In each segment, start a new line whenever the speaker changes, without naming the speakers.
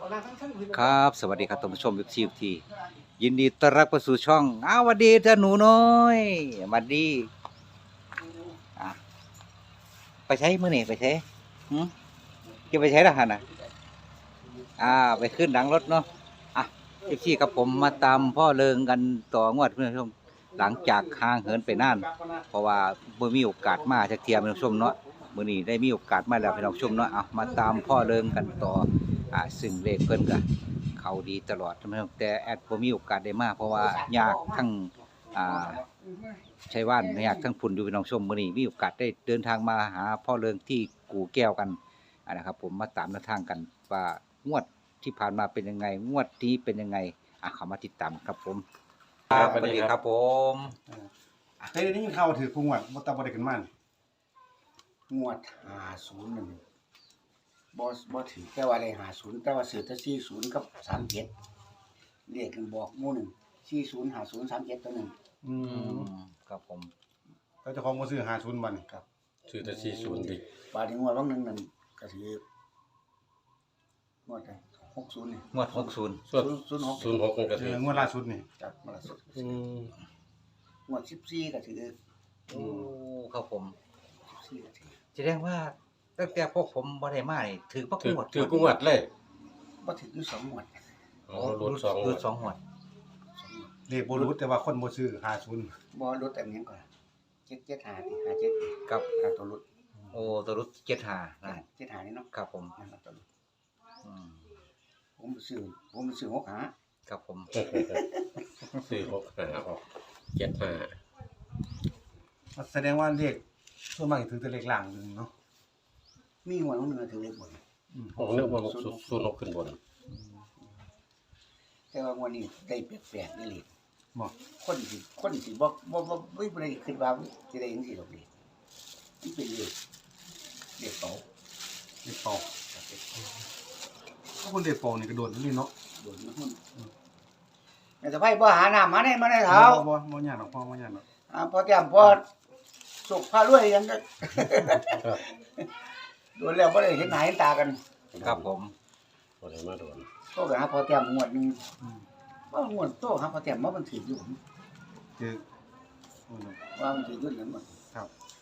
ครับสวัสดีครับท่านผู้ชมทียินดีต้อนรับเข้าสู่ช่องสวัสดีท่านหนูน้อยสวัสดีอ่ะไปใช้มื้อนี่ไปใช้หืมจะไปใช้ทหารน่ะไปขึ้นหลังรถเนาะอ่ะทีครับผมมาตามพ่อเริงกันต่องวดเพื่อนผู้ชมหลังจากห่างเหินไปนานเพราะว่าบ่มีโอกาสมาจักเที่ยเพื่อนผู้ชมเนาะมื้อนี้ได้มีโอกาสมาแล้วพี่น้องผู้ชมเนาะมาตามพ่อเริงกันต่อซึ่งเลขเพิ่นก็เขาดีตลอดนะครับแต่แอดบ่มีโอกาสได้มาเพราะว่ายากทั้งอ่าชัยว่านยากทั้งพุ่นอยู่พี่น้องชมมื้อนี้มีโอกาสได้เดินทางมาหาพ่อเริงที่กู่แก้วกันนะครับผมมาตามแนวทางกันว่างวดที่ผ่านมาเป็นยังไงงวดนี้เป็นยังไงเข้ามาติดตามครับผม
ครับ
สวัสดีครับผม
เคยได้ยินข่าวถือกูงวดบ่ตาบ่ได้ขึ้นมานี่
งวด50นั่นบ่ถือแต่ว่าได้50แต่ว่าซื้อแต่40กับ37เลขกันบอกหมู่หนึ่ง40 50 37ตัวหนึง
อืม
ครับผม
แล้วเจ้าของบ่ซื้อ50บัดนี่
ครับ
ชื่อแต่40ดิ
บาดนี้งวดบางหนึงนั่นก็ถืองวดใด60นี่
งวด60
ส่วน
06
06มันก็
เอ
ถือ
องวดล่าสุดนี่
จับมาละสุด
อืม
งวด14ก็ถือ
โอ้ครับผม
14ก็ถือ
แสดงว่าตั้งแต่พวกผมบ่ได้มานี่ถือปัก
ถือง
วด
ถือกูวัดเลย
บ่ถืออยู่2งวด
อ๋อรุ่น2
คือสองงวด
เลขบ่รู้แต่ว่าคนบ่ซื้อ50
บ่ลดอันนี้ก่อน775ที่57
กับ
ตัวลด
โอ้ตัวรุด75นะ
75นี่เนาะ
ครับผม
นั่นล่ะตัวลด
อืม
ผมไปซื้อ65
ครับผม
ซื้อ6 5ออก75
แสดงว่าเลขส่วนมากถือแต่เลขล่างอยู่เนาะ
มีงวดบางหนึงก็ถือเลขบน
ผมนึกว่า06ขึ้นบน
แต่ว่างวดนี้ได้แปลกๆนี่เลย
บ่
คนสิบ่บ่ได้คิดว่าสิได้จังซี่ดอกนี่มันเป็นเลขเป๋า
เลขเป่าถ้าคนเลขเป่านี่ก็โดนนี่เนาะ
โดนมันแม่สะใภ้บ่หาน้ำมาได้เท้า
บ่ยากหรอกพ่อบ่ยากหรอก
พอแต้มพอสุกพารวยยังก็โดนแล้วบ่ได้เห็นหน้าเห็นตากัน
ครับผม
บ่ได้มาโดน
โตก็หาพอแต้มงวดนึง
อืม
ว่างวดโตหาพอแต้มมันถืออยู่
คือโอ้โห
ว่ามันถืออยู่นั่นหมด
ครับ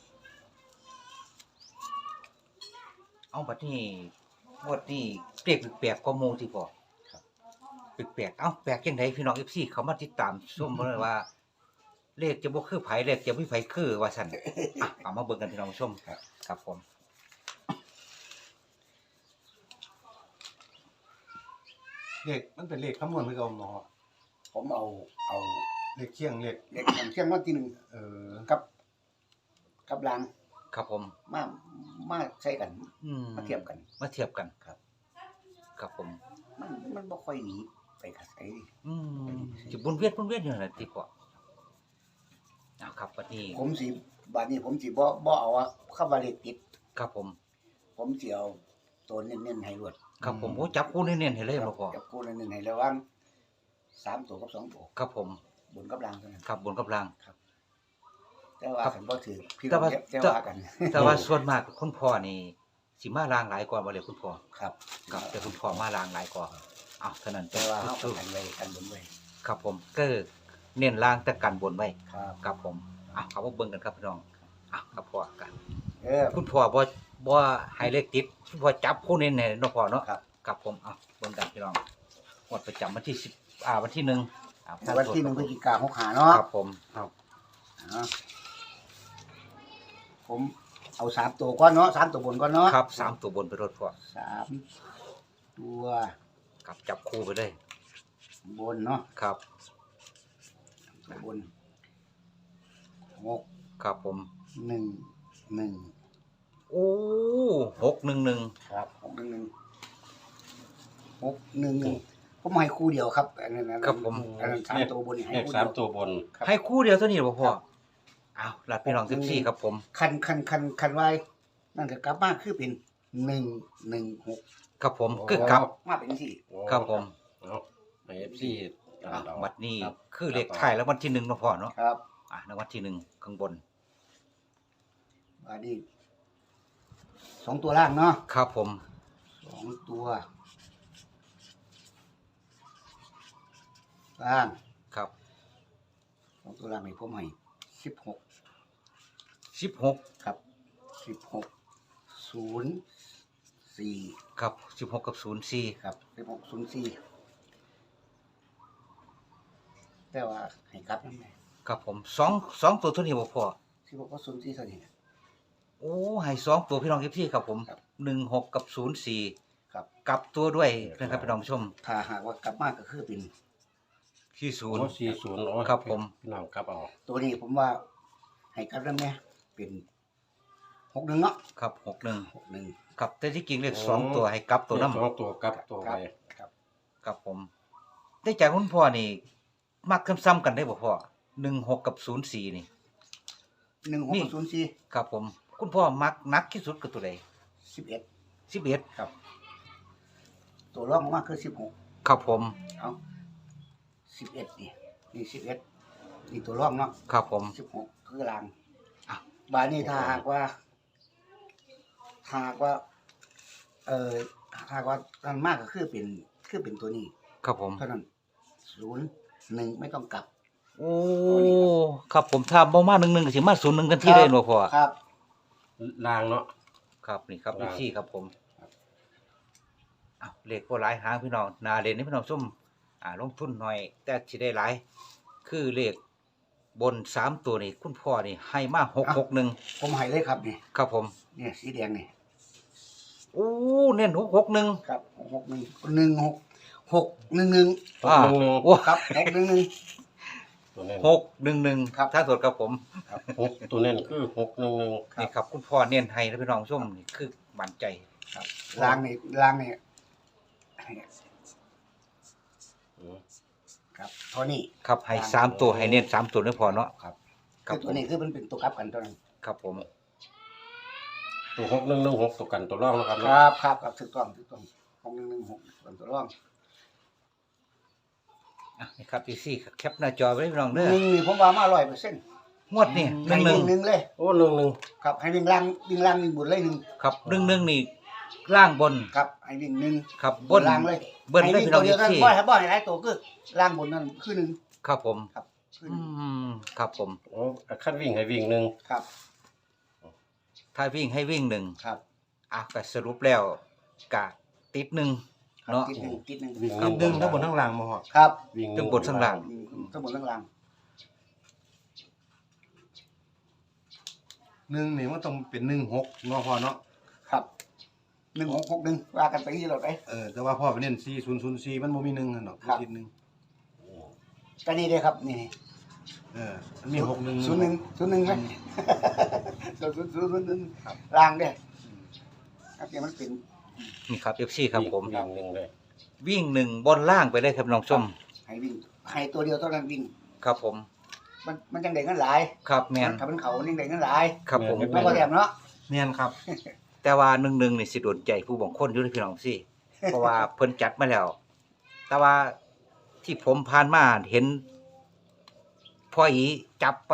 เอาบัดนี้งวดนี้เปรียกแปลกๆก็โมที่พอครับแปลกๆแปลกจังไดพี่น้อง FC เขามาติดตามชมเพิ่นว่า เลขจะบ่คือไผเลขจะมีไผคือว่าซั่นเอามาเบิ่งกันพี่น้องผู้ชมครับผม
เลขมันเป็นเลขคำนวณคือเก่าเนาะ
ผมเอา
เลขเคียงเลข
เลขเที่ยงวันที่1
เอ่อ
กับราง
ครับผม
มาใช้กัน
อืม
มาเทียบกัน
มาเทียบกัน
ครับ
ครับผม
มันบ่ค่อยหนีไปกับไสดิ
อืมสิวนเวียนอยู่นั่นแหละที่พ่อครับบัดนี้
บัดนี้ผมสิบ่เอาคำว่าเลขติด
ครับผม
ผมสิเอาตัวเน้นๆให้รวด
ครับผมโอ้จับคู่เน้นๆให้เลยบ่พ่อ
จับคู่เน้นๆให้ระหว่าง3ตัวกับ2ตัว
ครับผม
บนกับล่างเท่านั้น
ครับบนกับล่าง
แต่ว่าคันบ่ถือพี่
แต่
น้อง
ว่า
แต่ว่ากัน
แต่ว่าส่วนมากคุณพ่อนี่สิมาล่างหลายกว่าบ่เลยคุณพ่อ
ครับ
ครับแต่คุณพ่อมาล่างหลายกว่าเท่านั้น
แต่ว่าเฮา
คือ
กันไว้กันบนไว้
ครับผมก็เน้นล่างแต่กันบนไว้
ครับ
ครับผมเขามาเบิ่งกันครับพี่น้องครับพ่อกัน คุณพ่อบ่ให้เลขติดคุณพ่อจับคู่เน้นให้เนาะพ่อเนาะ
ครับ
ครับผมเบิ่งกันพี่น้องงวดประจำวันที่10วันที่1
วันที่1พฤศจิกายน65เนาะ
ครับผม
อ่าผมเอา3ตัวก่อนเนาะ3ตัวบนก่อนเนาะ
ครับ3ตัวบนไปรถพ่อ
3ตัว
ครับจับคู่ไปเลย
บนเนาะ
ครับ
ตัวบน6
ครับผม
1 1
โอ้611
ครับ611ผมให้คู่เดียวครับอันนั้น
ครับผม
อันนั้น3ตัวบนนี่ให้
เลข
คู่เดียว
3ตัวบน
ให้คู่เดียวเท่านี้บ่พ่อหลัดพี่น้อง14ครับผม
คันไว้นั่นก็กลับมาคือเป็น116
ครับผมคือกลับ
มาเป็นสี่
ครับผม
เอาให้ FC ตามดอก
บัดนี้
ครับ
คือเลขท้ายแล้ววันที่1เนาะพ่อเนาะ
ครับ
รางวัลที่1ข้างบน
อันนี้2ตัวล่างเนาะ
ครับผม
2ตัวล่าง
ครับ
สองตัวล่างให้ผมให้16
16
ครับ1604
ครับ16กับ04
ครับ1604แต่ว่าให้กลับนั่นแหละ
ครับผมสองตัวเท่านี้บ่พอ
16ก็04เท่านี้นะ
โอ้ให้สองตัวพี่น้องพี่ครับผม
ครับ
16กับ04
ครับ
กลับตัวด้วยนะครับพี่น้องผู้ชม
ถ้าหากว่ากลับมาก็คือเป็น
ที่
โอ้
0
40โอ้
ครับผม
น้ำกลับเอา
ตัวนี้ผมว่าให้กลับนั่นแหละเป็น61เนาะ
ครับ61
61
ครับแต่ที่จริงเลขสองตัวให้กลับตัวน้
สองตัวกลับตัวไป
ครับ
ำครับผมได้จากคุณพ่อนี่มักซ้ำๆกันได้บ่พ่อ16กับ04นี่
16กับ04
ครับผมคุณพ่อมักนักที่สุดคือตัวใด
11
11
ครับ ตัวรองลงมาคือ16
ครับผม
เอา11นี่11นี่ตัวรองเนาะ
ครับผม
16คือราง
อ่ะ
บาดนี้ถ้าหากว่าหากว่าอันมากก็คือเป็นตัวนี้
ครับผม
เท่านั้น01ไม่ต้องกลับ
โอ้ครับผมถ้าบ่มา11ก็สิมา01กันที่ได้บ่พ่อ
ครับ
ล่างเนาะ
ครับนี่ครับ
ครับ
พี่ครับผมอ้าวเลขบ่หลายหางพี่น้องน่าเล่นนี่พี่น้องซุ่มลงทุนหน่อย แต่สิได้หลาย คือเลขบน3ตัวนี่คุณพ่อนี่ให้มา661
ผมให้เลยครับนี่
ครับผม
เนี่ยสีแดงนี่
โอ้เน้น661
ครับ611
อ่า
611
โอ้
ครับ611
ตัวเน้น
611
ครับ
ทางสดครับผม
6ตัวเน้นคือ611
นี่ครับคุณพ่อเน้นให้นะพี่น้องชมนี่คือมั่นใจ
ครับล้างนี่
อืม
ครับเท่านี้
ครับให้3ตัวให้เน้น3ตัวนี่พอเนาะ
ครับ
ครับ
คือตัวนี้คือมันเป็นตัวกลับกันตัวนั้น
ครับผม
ตัว611 ตัวกันตัวรองแล้วครับ
ค
เนาะ
รับถูกต้อง611 เป็นตัวรอง
อ่ะนี่ครับพี่ซี่แคปหน้าจอไว้พี่น้องเด้อ
นี่ผมว่ามา100%
งวดนี่
ให้วิ่ง
11
หนึ่งเลย
โอ้11
ครับให้วิ่งล่างวิ่งบนเลยหนึ่ง
ครับ11นี่ล่างบน
ครับให้วิ่งหนึ่ง
ครับบน
ล่างเลย
เบิ้ลเลย
ให้วิ่ง
พี่น้อง
ตัวเดียวกัน
ที่
บ่ให้หลายตัวคือล่างบนนั่นคือหนึ่ง
ครับผม
ครับคือ
อื
หนึ่ง
มครับผม
โอ้คันวิ่งให้วิ่งหนึ่ง
ครับ
ถ้าวิ่งให้วิ่งหนึ่ง
ครับ
ก็สรุปแล้วกะติดหนึ่ง
ครับ
เนาะ
ติดหนึ่ง
วิ่ง
นิดนึงทั้งบนทั้งล่างมาหอด
ครับ
วิ่งห
ทั้
นึ่
งบนทั้งล่าง
ทั้งบนทั้งล่าง
หนึ่งนี่มันต้องเป็น16เนาะพ่อเนาะ
ครับ1661ว่ากันไปที่เราไป
แต่ว่าพ่อไปเน้น4004มันบ่มี1หั่นดอก
ครับ
คิดหนึ่ง
ก็นี่เลยครับนี่
มันมี61
01ไหม001
ครับ
ล่างเด้อครับเดี๋ยวมันเป็น
นี่ครับ FC ครับผม
วิ่งหนึ่งเลย
วิ่งหนึ่งบนล่างไปเลยครับน้องชม
ให้วิ่งให้ตัวเดียวเท่านั้นวิ่ง
ครับผม
มันจังได้เงินหลาย
ครับแมน
ถ้ามันเขามันจังได้เงินหลาย
ครับผม
มันบ่แถมเนาะ
แม่นครับ
แต่ว่าหนึ่งนี่สิโดนใจผู้บางคนอยู่ในพี่น้องสิ เพราะว่าเพิ่นจัดมาแล้ว แต่ว่าที่ผมผ่านมาเห็นพ่ออีจับไป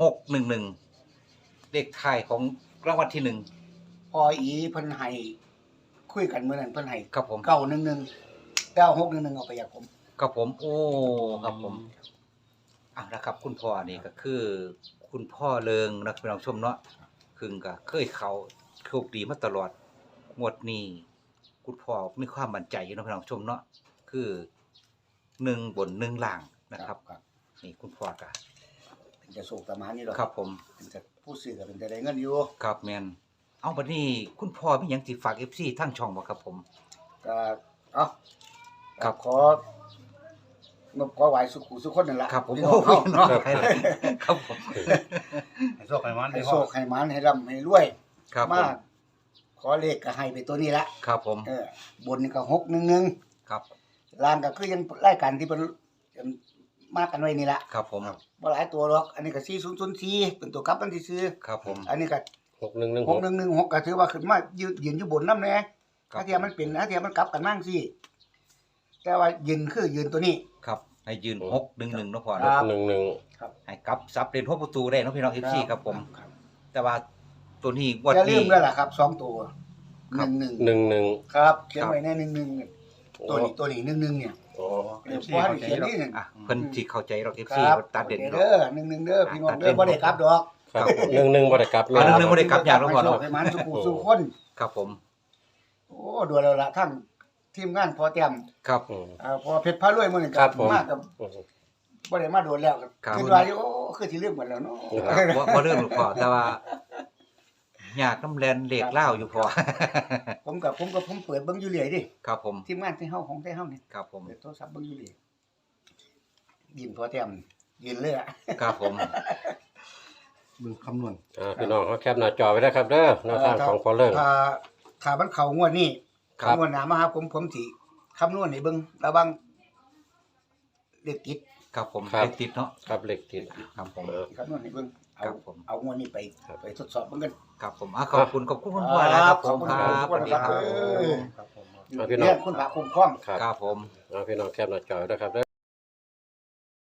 611เลขท้ายของรางวัลที่
พออีเพิ่นให้คุยกันมื้อนั้นเพิ่นให้
1ครับผม
911 9611เอาไปจากผม
ครับผมโอ้ครับผมนะครับ คุณพ่อนี่ก็คือ คุณพ่อเริงนะพี่น้องชมเนาะคือก็เคยเขาโชคดีมาตลอดงวดนี้คุณพ่อมีความมั่นใจอยู่นะพี่น้องชมเนาะคือ1บน1ล่างนะครับ
ครับ
นี่คุณพ่อก็
เป็นจะโศกประมาณนี้หรอก
ครับผม
เป็นจะผู้ซื้อก็เป็นจะได้เงินอยู่
ครับแมนเอาบัดนี้คุณพ่อมีหยังสิฝาก FC ทั้งช่องบ่ครับผม
ก็เอ้า
ครับ
ขอไหว้สุขุสุขคนนั่นล่ะ
ครับผม
พี่น้
โอ้
อง
ย
เฮา
เนาะครับผม
ให้โชคให้มัน
ให้
ได้
โช
พ่อ
คให้หมานให้ร่ำให้รวย
ครับผม
มาขอเลขก็ให้ไปตัวนี้ละ
ครับผม
บนนี่ก็611
ครับ
ล่างก็คือยังรายการที่เพิ่นมากันไว้นี่ละ
ครับผม
บ่หลายตัวหรอกอันนี้ก็4004เป็นตัวกลับมันที่ซื้อ
ครับผม
อันนี้ก็
6116
6116ก็ถือว่าขึ้นมายืนอยู่บนนำแน่
ครับ
ถ้าเทียมันเป็นถ้าเทียมันกลับกันมั่งสิแต่ว่ายืนคือยืนตัวนี้
ครับให้ยืน611เนาะพ่อ
ครั
เนาะ
บ
11
ให้กลับซับเล่น6ประตูได้เนาะพี่น้อง FC ครับผม
ครับ
แต่ว่าตัวนี้งวด
อย่าลื
นี้
มด้วยล่ะครับ2ตัว
ครับ
11
11
ครับเขียนไว้ใน11
โอ้
ตัวนี้1เนี่ย
โอ้
เพราะว่าเขียนนี่
อ่ะเพิ่นสิเข้าใจเราเอฟ
ค
ซี
รับ
ตัดเด่น
เด้อ1เด้อพี่น้องเด้อบ่ได้กลับดอก
ครับ11บ่ได้กลับ
อันนึงบ่ได้กลับยากแล้วพอเนาะ
ให้มันสุขุสุขคน
ครับผม
โอ้ดูแล้วล่ะทั้งทีมงานพอแต้ม
ครับ
อืม
พอเพชรพารวยมื้อนี้
ครับผม
มากับ
อืม
บ่ได้มาโดนแล้ว
ครับ
คิดว่าอยู่โอ้คือสิลืมหมดแล้วเนาะ
บ่เรื่องหรอกพอแต่ว่าอยากน้ำแลนเหล็กเล่าวอยู่พอ
ผมเปิดเบิ่งอยู่เรื่อยดิ
ครับผม
ทีมงานที่เฮาของไทเฮานี่
ครับผม
เปิดโทรศัพท์เบิ่งอยู่เรื่อยยินพอแต้มยินเลยอ่ะ
ครับผม
มึงคำนวณ
พี่น้องเขาแคปหน้าจอไว้นะครับเด้อแนวทางของพอเลิก
ถ้ามันเข้างวดนี้
ครับ
งวดหน้ามาหาผมสิคำนวณให้เบิ่งระวังเลขติด
ครับผม
ครับ
เลขติดเนาะ
ครับเลขติด
ครับผม
คำนวณให้เบิ่งเอา
ครับผม
เอางวดนี้ไป
ครับ
ไปทดสอบเบิ่งกัน
ครับผมขอบคุณคุณพ่อนะครับผม
ขอบคุณ
ครับ
ขอบคุณครับ
สวัสดี
ครับผม
เอาพี่น้อง
เรียกคุณพระคุ้มครอง
ครับ
ครับผม
เอาพี่น้องแคปหน้าจอไว้นะครับเด้อ